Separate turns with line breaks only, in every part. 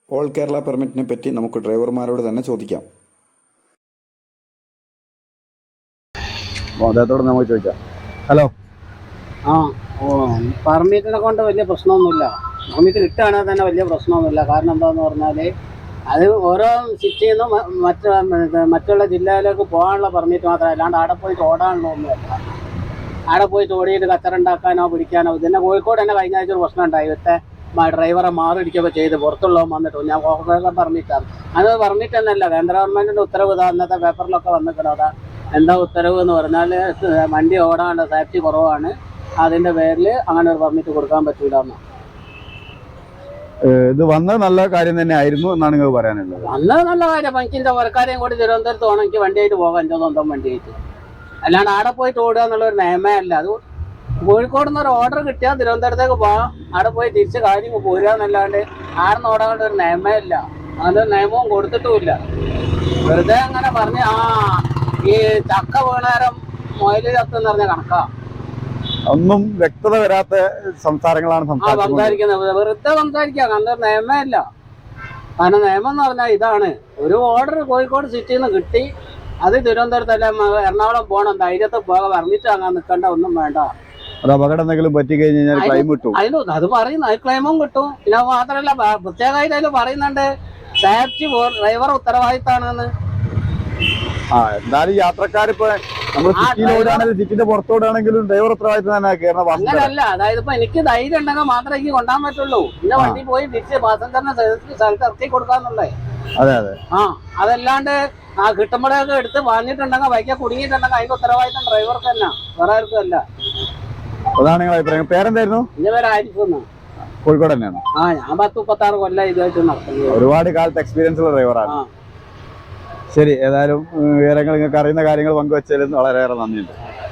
All Kerala പെർമിറ്റിനെ പറ്റി നമുക്ക് ഡ്രൈവർമാരോട് തന്നെ ചോദിക്കാം.
അദ്ദേഹത്തോട് നമുക്ക് ചോദിക്കാം. ഹലോ.
പെർമിറ്റിനെ കൊണ്ട് വലിയ പ്രശ്നമൊന്നുമില്ല. പെർമിറ്റ് കിട്ടുകയാണെങ്കിൽ തന്നെ വലിയ പ്രശ്നമൊന്നുമില്ല. കാരണം എന്താണെന്ന് പറഞ്ഞാൽ അത് ഓരോ സിറ്റിയിൽ നിന്നും മറ്റുള്ള ജില്ലയിലേക്ക് പോകാനുള്ള പെർമിറ്റ് മാത്രമേ, അല്ലാണ്ട് അവിടെ പോയിട്ട് ഓടാനുള്ള ഒന്നുമല്ല. അവിടെ പോയിട്ട് ഓടിയിട്ട് കച്ചറുണ്ടാക്കാനോ പിടിക്കാനോ. ഇതിൻ്റെ കോഴിക്കോട് തന്നെ കഴിഞ്ഞ ആഴ്ച ഒരു പ്രശ്നം ഉണ്ടായി. ഇവിടുത്തെ ഡ്രൈവറെ മാറിടിക്കുകയൊക്കെ ചെയ്ത് പുറത്തുള്ളവൻ വന്നിട്ട് ഞാൻ പെർമിറ്റാണ്. അത് പെർമിറ്റ് എന്നല്ല, കേന്ദ്ര ഗവൺമെൻറ്റിൻ്റെ ഉത്തരവ് ഇതാ അന്നത്തെ പേപ്പറിലൊക്കെ വന്നിട്ടുള്ളതാ. എന്താ ഉത്തരവ് എന്ന് പറഞ്ഞാൽ വണ്ടി ഓടാനുള്ള സേഫ്റ്റി കുറവാണ്, അതിൻ്റെ പേരിൽ അങ്ങനെ ഒരു പെർമിറ്റ് കൊടുക്കാൻ പറ്റൂല എന്നാണ്.
ഇത് വന്നത് നല്ല കാര്യം തന്നെ ആയിരുന്നു എന്നാണ് നിങ്ങൾ പറയാനുള്ളത്?
വന്നത് നല്ല കാര്യം. എനിക്കിൻ്റെ വർക്കാരെയും കൂടി തിരുവനന്തപുരത്ത് പോകണം, എനിക്ക് വണ്ടിയായിട്ട് പോകാം, എൻ്റെ സ്വന്തം വണ്ടിയായിട്ട്. അല്ലാണ്ട് അവിടെ പോയിട്ട് ഓടുക എന്നുള്ളൊരു നിയമേ അല്ല. അത് കോഴിക്കോട് നിന്ന് ഒരു ഓർഡർ കിട്ടിയാൽ തിരുവനന്തപുരത്തേക്ക് പോകാം, അവിടെ പോയി തിരിച്ച് കാര്യങ്ങൾ പോരുക എന്നല്ലാണ്ട് ആടെ നിന്ന് ഓടാനുള്ള ഒരു നിയമേ ഇല്ല. അതിൻ്റെ നിയമവും കൊടുത്തിട്ടുമില്ല. വെറുതെ അങ്ങനെ പറഞ്ഞ് ഈ ചക്ക വീണേരം മൊയിൽ ചത്തെന്ന് പറഞ്ഞ കണക്കാ.
ഒന്നും വ്യക്തത വരാത്ത സംസാരങ്ങളാണ്
സംസാരിക്കുന്നത്. വെറുതെ സംസാരിക്കാം, അങ്ങനെ നിയമേ ഇല്ല. കാരണം നിയമം എന്ന് പറഞ്ഞാൽ ഇതാണ്, ഒരു ഓർഡർ കോഴിക്കോട് സിറ്റിയിൽ നിന്ന് കിട്ടി, അത് തിരുവനന്തപുരത്തല്ല എറണാകുളം പോകണം, ധൈര്യത്തിൽ പോകാൻ പെർമിറ്റ് വാങ്ങാൻ നിൽക്കേണ്ട ഒന്നും വേണ്ട.
അത് അപകടം എന്തെങ്കിലും പറ്റി കഴിഞ്ഞാൽ ക്ലെയിം കിട്ടും.
അത് പറയുന്നു, അത് ക്ലെയിമും കിട്ടും. പിന്നെ മാത്രമല്ല പ്രത്യേകമായിട്ട് അതിൽ പറയുന്നുണ്ട് സേഫ്റ്റി ഡ്രൈവർ ഉത്തരവാദിത്തമാണെന്ന്.
എന്തായാലും യാത്രക്കാരിപ്പോ നമ്മൾ സിറ്റിന്റെ പുറത്തോടാണെങ്കിലും ഡ്രൈവർ ഉത്തരവാദിത്തം തന്നെ.
അങ്ങനല്ല, അതായത് ഇപ്പൊ എനിക്ക് ധൈര്യം ഉണ്ടെങ്കിൽ മാത്രമേ എനിക്ക് കൊണ്ടാൻ പറ്റുള്ളൂ. എന്റെ വണ്ടി പോയി തിരിച്ച് പാസഞ്ചറിനെ സ്ഥലത്ത് ഇറക്കി കൊടുക്കാന്നുള്ളേ.
അതെ അതെ.
അതല്ലാണ്ട് കിട്ടുമ്പോഴൊക്കെ എടുത്ത് വാങ്ങിയിട്ടുണ്ടെങ്കിൽ ബൈക്കെ കുടുങ്ങിയിട്ടുണ്ടെങ്കിൽ അതിന്റെ ഉത്തരവാദിത്തം ഡ്രൈവർക്ക് തന്നെ, വേറെ ആർക്കും അല്ല.
അതാണ് നിങ്ങളുടെ അഭിപ്രായം. പേരെന്തായിരുന്നു?
എന്റെ പേര് ആയിരിക്കും.
കോഴിക്കോട് തന്നെയാണ്.
ഞാൻ 10-36 കൊല്ലം ഇതുമായിട്ട് നടത്തുന്നത്.
ഒരുപാട് കാലത്ത് എക്സ്പീരിയൻസ് ഉള്ള ഡ്രൈവറാണ്. ശരി, ഏതായാലും വിവരങ്ങൾ നിങ്ങൾക്ക് അറിയുന്ന കാര്യങ്ങൾ പങ്കുവച്ചതിൽ വളരെയേറെ നന്ദിയുണ്ട്.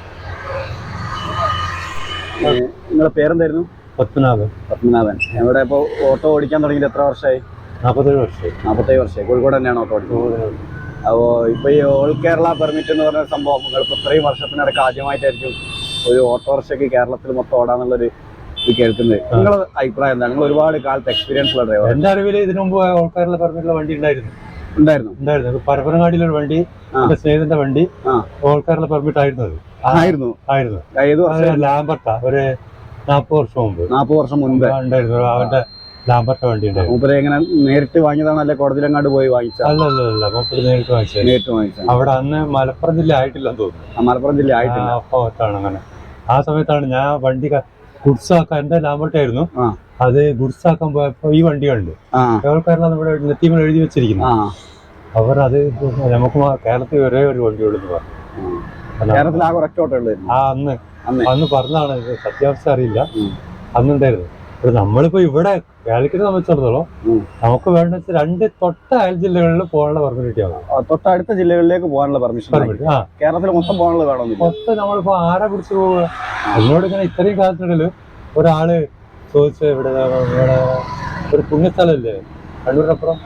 നിങ്ങളുടെ പേരെന്തായിരുന്നു? പത്മനാഭൻ. ഇവിടെ ഇപ്പോൾ ഓട്ടോ ഓടിക്കാൻ തുടങ്ങിയിട്ട് എത്ര വർഷമായി? 47 വർഷമായി. കോഴിക്കോട് തന്നെയാണ് ഓട്ടോ ഓടിക്കുന്നത്. അപ്പോൾ ഇപ്പോൾ ഈ ഓൾ കേരള പെർമിറ്റ് എന്ന് പറഞ്ഞ സംഭവം നിങ്ങളിപ്പോൾ ഇത്രയും വർഷത്തിനിടയ്ക്ക് ആദ്യമായിട്ടായിരിക്കും ഒരു ഓട്ടോറിക്ഷയ്ക്ക് കേരളത്തിൽ മൊത്തം ഓടാന്നുള്ളൊരു ഇത് കേൾക്കുന്നത്. നിങ്ങളുടെ അഭിപ്രായം എന്താണ്? നിങ്ങൾ ഒരുപാട് കാലത്ത് എക്സ്പീരിയൻസ് ഉള്ള ഡ്രൈവർ.
എന്റെ അറിവിൽ ഇതിനു മുമ്പ് ഓൾ കേരള പെർമിറ്റുള്ള വണ്ടി ഉണ്ടായിരുന്നു. പരപ്പനങ്ങാടിയിലൊരു വണ്ടി, എന്റെ സ്നേഹിതന്റെ വണ്ടി ഓൾ കേരള പെർമിറ്റ് ആയിരുന്നു. ലാംബർട്ട ഒരു 40 വർഷം മുമ്പ് ഉണ്ടായിരുന്നു. അവന്റെ ലാംബർട്ട വണ്ടി ഉണ്ടായിരുന്നു.
നേരിട്ട് വാങ്ങിയതാണ് അല്ലെ കോടതിയിലെങ്ങാണ്ട് പോയി വാങ്ങിച്ചത്?
അല്ല, മൂപ്പര് നേരിട്ട് വാങ്ങിച്ചത്. അവിടെ അന്ന് മലപ്പുറം ജില്ല ആയിട്ടില്ലെന്ന് തോന്നുന്നു.
മലപ്പുറം ജില്ല ആയിട്ടില്ല.
അപ്പോഴാണ് അങ്ങനെ. ആ സമയത്താണ് ഞാൻ വണ്ടി ഗുഡ്സ് ആക്കാൻ, എന്റെ ലാംബർട്ട ആയിരുന്നു, അത് ഗുഡ്സ് ആക്കാൻ പോയപ്പോ ഈ വണ്ടി കണ്ടു. കേരളക്കാരനാണ് നമ്മുടെ നെത്തിമേൽ എഴുതി വെച്ചിരിക്കുന്നു. അവർ അത് നമുക്ക് കേരളത്തിൽ ഒരേ ഒരു വണ്ടിയുള്ളൂ എന്ന് പറഞ്ഞു. അന്ന് പറഞ്ഞതാണ്, സത്യാവസ്ഥ അറിയില്ല, അന്നുണ്ടായിരുന്നു. നമ്മളിപ്പോ ഇവിടെ കേരളത്തിനെ സംബന്ധിച്ചിടത്തോളം നമുക്ക് വേണ്ട 2 തൊട്ട അയൽ ജില്ലകളിൽ പോകാനുള്ള പെർമിറ്റ് കിട്ടിയാൽ
തൊട്ടടുത്ത ജില്ലകളിലേക്ക് പോകാനുള്ള പെർമിഷൻ. കേരളത്തിൽ മൊത്തം പോകാനുള്ള വേണമെന്നില്ല.
മൊത്തം നമ്മളിപ്പോ ആരെ പിടിച്ചു പോവുക? എന്നോട് ഇങ്ങനെ ഇത്രയും കാലത്തിനിടയിൽ ഒരാള് ചോദിച്ച ഇവിടെ ഒരു പുണ്യസ്ഥലല്ലേ കണ്ണൂരിനപ്പുറം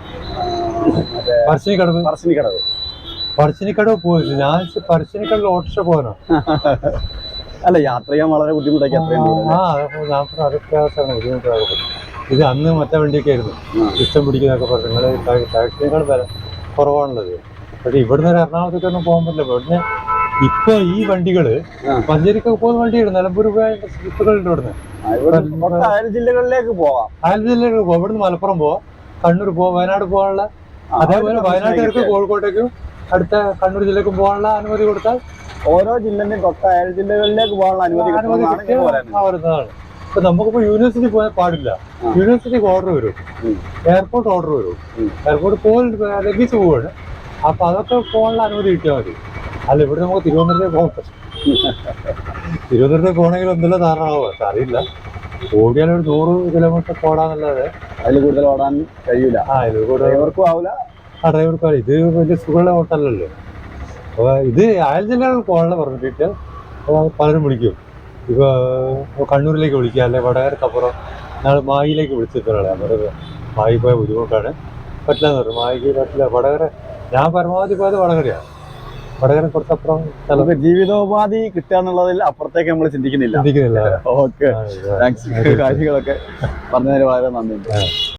പറശ്ശിനിക്കടവ് പോയി. ഞാൻ പറശ്ശിനിക്കടവിൽ ഓട്ടോറിക്ഷ പോകാനോ?
അല്ല, യാത്ര ചെയ്യാൻ വളരെ ബുദ്ധിമുട്ടാക്കി.
അതൊക്കെ ബുദ്ധിമുട്ടാകും. ഇത് അന്ന് മറ്റേ വണ്ടിയൊക്കെ ആയിരുന്നു ഇഷ്ടം പിടിക്കുന്നതൊക്കെ പറഞ്ഞു. നിങ്ങൾ ടാക്സിനേക്കാൾ വില കുറവാണുള്ളത്. പക്ഷെ ഇവിടുന്ന് എറണാകുളത്തേക്കൊന്നും പോകാൻ പറ്റില്ല. ഇവിടുന്ന് ഇപ്പൊ ഈ വണ്ടികള് മഞ്ചേരിക്കൊക്കെ പോകുന്ന വണ്ടിയുണ്ട്. നിലമ്പൂർ സ്ലിപ്പുകളുണ്ട്. ഇവിടുന്ന്
അയൽ ജില്ലകളിലേക്ക് പോവാം.
ഇവിടുന്ന് മലപ്പുറം പോവാം, കണ്ണൂർ പോവാം, വയനാട് പോകാനുള്ള. അതേപോലെ വയനാട്ടുകാർക്ക് കോഴിക്കോട്ടേക്കും അടുത്ത കണ്ണൂർ ജില്ലക്കും പോകാനുള്ള അനുമതി കൊടുത്താൽ
ഓരോ ജില്ലന്റെയും തൊട്ട അയൽ ജില്ലകളിലേക്ക് പോകാനുള്ള അനുമതി
വരുന്നതാണ്. ഇപ്പൊ നമുക്കിപ്പോ യൂണിവേഴ്സിറ്റി പോയാൽ പാടില്ല. യൂണിവേഴ്സിറ്റിക്ക് ഓർഡർ വരും, എയർപോർട്ട് ഓർഡർ വരും. എയർപോർട്ട് ലഭിച്ചു പോവാണ്. അപ്പൊ അതൊക്കെ പോകാനുള്ള അനുമതി കിട്ടിയാൽ മതി. അല്ല, ഇവിടെ നമുക്ക് തിരുവനന്തപുരത്തേക്ക് പോകാൻ പറ്റും. തിരുവനന്തപുരത്തേക്ക് പോകണമെങ്കിൽ എന്തെല്ലാം ധാരണമാവും, പക്ഷെ അറിയില്ല. ഓടിയാൽ ഒരു 100 കിലോമീറ്റർ ഓടാന്നല്ലാതെ
അതിൽ കൂടുതൽ ഓടാൻ കഴിയൂല. ഡ്രൈവർക്കും ആവില്ല.
ഡ്രൈവർക്കും ആവില്ല. ഇത് വലിയ സുഖമുള്ള ഓട്ടമല്ലല്ലോ. അപ്പോൾ ഇത് അയൽ ജില്ലകളിൽ പോകാനുള്ള പറഞ്ഞിട്ട് പലരും വിളിക്കും. ഇപ്പോൾ കണ്ണൂരിലേക്ക് വിളിക്കുക, അല്ലെങ്കിൽ വടകരക്കപ്പുറം. ഞങ്ങൾ മായിലേക്ക് വിളിച്ചിട്ടുള്ള മായി പോയ ബുദ്ധിമുട്ടാണ്, പറ്റില്ല എന്ന് പറഞ്ഞു. മായിക്ക് പറ്റില്ല. വടകര ഞാൻ പരമാവധി പോയത് വടകരയാണ്. വടകര കുറച്ചപ്പുറം
നമുക്ക് ജീവിതോപാധി കിട്ടുക എന്നുള്ളതിൽ അപ്പുറത്തേക്ക് നമ്മൾ ചിന്തിക്കുന്നില്ല.
ചിന്തിക്കുന്നില്ല.
Okay, thanks. കാര്യങ്ങളൊക്കെ പറഞ്ഞതിന് വളരെ നന്ദിയുണ്ട്.